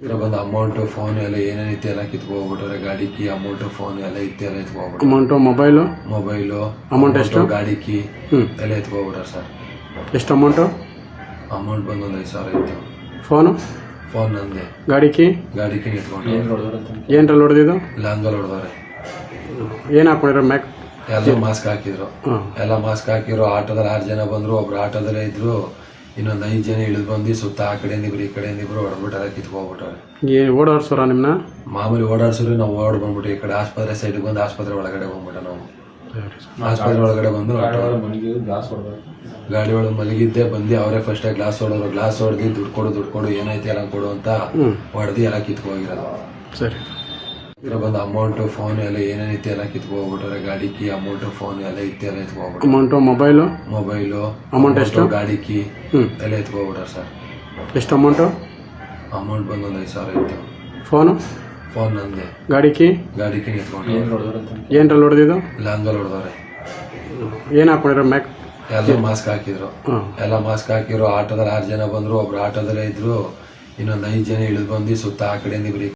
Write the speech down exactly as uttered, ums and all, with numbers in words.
ಇರೋ ಬಂದು amount phone ಎಲ್ಲ ಏನೇನಿತ್ತು ಎಲ್ಲ ಕಿತ್ಕೋಗ್ಬಿಟ್ರೆ ಗಾಡಿ ಕೀ ಅಮೌಂಟು ಫೋನ್ ಎಲ್ಲ ಇತ್ತು ಎಲ್ಲ ಎತ್ಕೋಗ್ಬಿಟ್ಟು ಅಮೌಂಟು ಮೊಬೈಲು ಮೊಬೈಲು ಅಮೌಂಟ್ ಎಷ್ಟು ಗಾಡಿ ಕೀ ಹ್ಞೂ ಎಲ್ಲ ಎತ್ಕೋಗ್ಬಿಟ್ರೆ ಸರ್. ಎಷ್ಟು ಅಮೌಂಟು? ಅಮೌಂಟ್ ಬಂದು ಒಂದು ಐದು ಸಾವಿರ ಇತ್ತು. ಫೋನು ಫೋನ್ ನಂದೆ. ಗಾಡಿ ಕೀ ಗಾಡಿ ಕೀ ಎತ್ಕೊಂಡು ಏನ್ರಲ್ಲಿ ಹೊಡೆದಿದ್ದು? ಲಾಂಗಲ್ಲಿ ಹೊಡೆದವ್ರೆ. ಏನು ಹಾಕೊಂಡಿರೋ ಮ್ಯಾಕ್? ಎಲ್ಲ ಮಾಸ್ಕ್ ಹಾಕಿದ್ರು. ಹಾಂ ಎಲ್ಲ ಮಾಸ್ಕ್ ಹಾಕಿದ್ರು. ಆಟೋದಲ್ಲಿ ಆರು ಜನ ಬಂದ್ರು, ಒಬ್ರು ಆಟೋದಲ್ಲೇ ಇದ್ರು, ಇನ್ನೊಂದು ಐದು ಜನ ಇಳಿದು ಬಂದು ಸುತ್ತ ಆ ಕಡೆಯಿಂದ ಇಬ್ರು ಈ ಕಡೆಯಿಂದ ಇಬ್ರು ಹೊಡೆದ್ಬಿಟ್ಟಾರೆ, ಕಿತ್ಕೋಗ್ಬಿಟ್ಟಾರೆ. ಏನು ಓಡಾಡ್ಸೋರ ನಿಮ್ಮನ್ನ? ಮಾಮೂಲಿ ಓಡಾಡ್ಸಿದ್ರು. ನಾವು ಓಡ್ ಬಂದ್ಬಿಟ್ಟು ಈ ಕಡೆ ಆಸ್ಪತ್ರೆ ಸೈಡ್ಗೆ ಬಂದು ಆಸ್ಪತ್ರೆ ಒಳಗಡೆ ಬಂದ್ಬಿಟ್ಟ. ನಾವು ಆಸ್ಪತ್ರೆ ಒಳಗಡೆ ಬಂದು ಗಾಡಿ ಒಳಗೆ ಮಲಗಿದ್ದೆ ಬಂದು ಅವರೇ ಫಸ್ಟ್ ಗ್ಲಾಸ್ ಹೊಡೋರು. ಗ್ಲಾಸ್ ಹೊಡೆದು ದುಡ್ಡು ಕೊಡು ದುಡ್ಡು ಕೊಡು ಏನೈತೆ ಎಲ್ಲ ಕೊಡು ಅಂತ ಹೊಡೆದು ಎಲ್ಲ ಕಿತ್ಕೋಗಿರೋದು. ಸರಿ. ಇರೋ ಬಂದು ಅಮೌಂಟು ಫೋನ್ ಎಲ್ಲ ಏನೇನಿತ್ತು ಎಲ್ಲ ಕಿತ್ಕೋಗ್ಬಿಟ್ರೆ ಗಾಡಿ ಕೀ ಅಮೌಂಟು ಫೋನ್ ಎಲ್ಲ ಇತ್ತು ಎಲ್ಲ ಎತ್ಕೋಗ್ಬಿಟ್ಟು ಅಮೌಂಟು ಮೊಬೈಲು ಮೊಬೈಲು ಅಮೌಂಟ್ ಎಷ್ಟು? ಗಾಡಿ ಕೀ ಹ್ಞೂ ಎಲ್ಲ ಎತ್ಕೋಗ್ಬಿಟ್ರೆ ಸರ್. ಎಷ್ಟು ಅಮೌಂಟು? ಅಮೌಂಟ್ ಬಂದು ಒಂದು ಐದು ಸಾವಿರ ಇತ್ತು. ಫೋನು ಫೋನ್ ನಂದೆ. ಗಾಡಿ ಕೀ ಗಾಡಿ ಕೀ ಎತ್ಕೊಂಡು ಏನ್ರಲ್ಲಿ ಹೊಡೆದಿದ್ದು? ಲಾಂಗಲ್ಲಿ ಹೊಡೆದವ್ರೆ. ಏನು ಹಾಕೊಂಡಿರೋ ಮ್ಯಾಕ್? ಎಲ್ಲ ಮಾಸ್ಕ್ ಹಾಕಿದ್ರು. ಹಾಂ ಎಲ್ಲ ಮಾಸ್ಕ್ ಹಾಕಿದ್ರು. ಆಟೋದಲ್ಲಿ ಆರು ಜನ ಬಂದ್ರು, ಒಬ್ರು ಆಟೋದಲ್ಲೇ ಇದ್ರು, ಇನ್ನೊಂದು ಐದು ಜನ ಇಳಿದು ಬಂದು ಸುತ್ತ ಆ ಕಡೆಯಿಂದ ಇಬ್ರು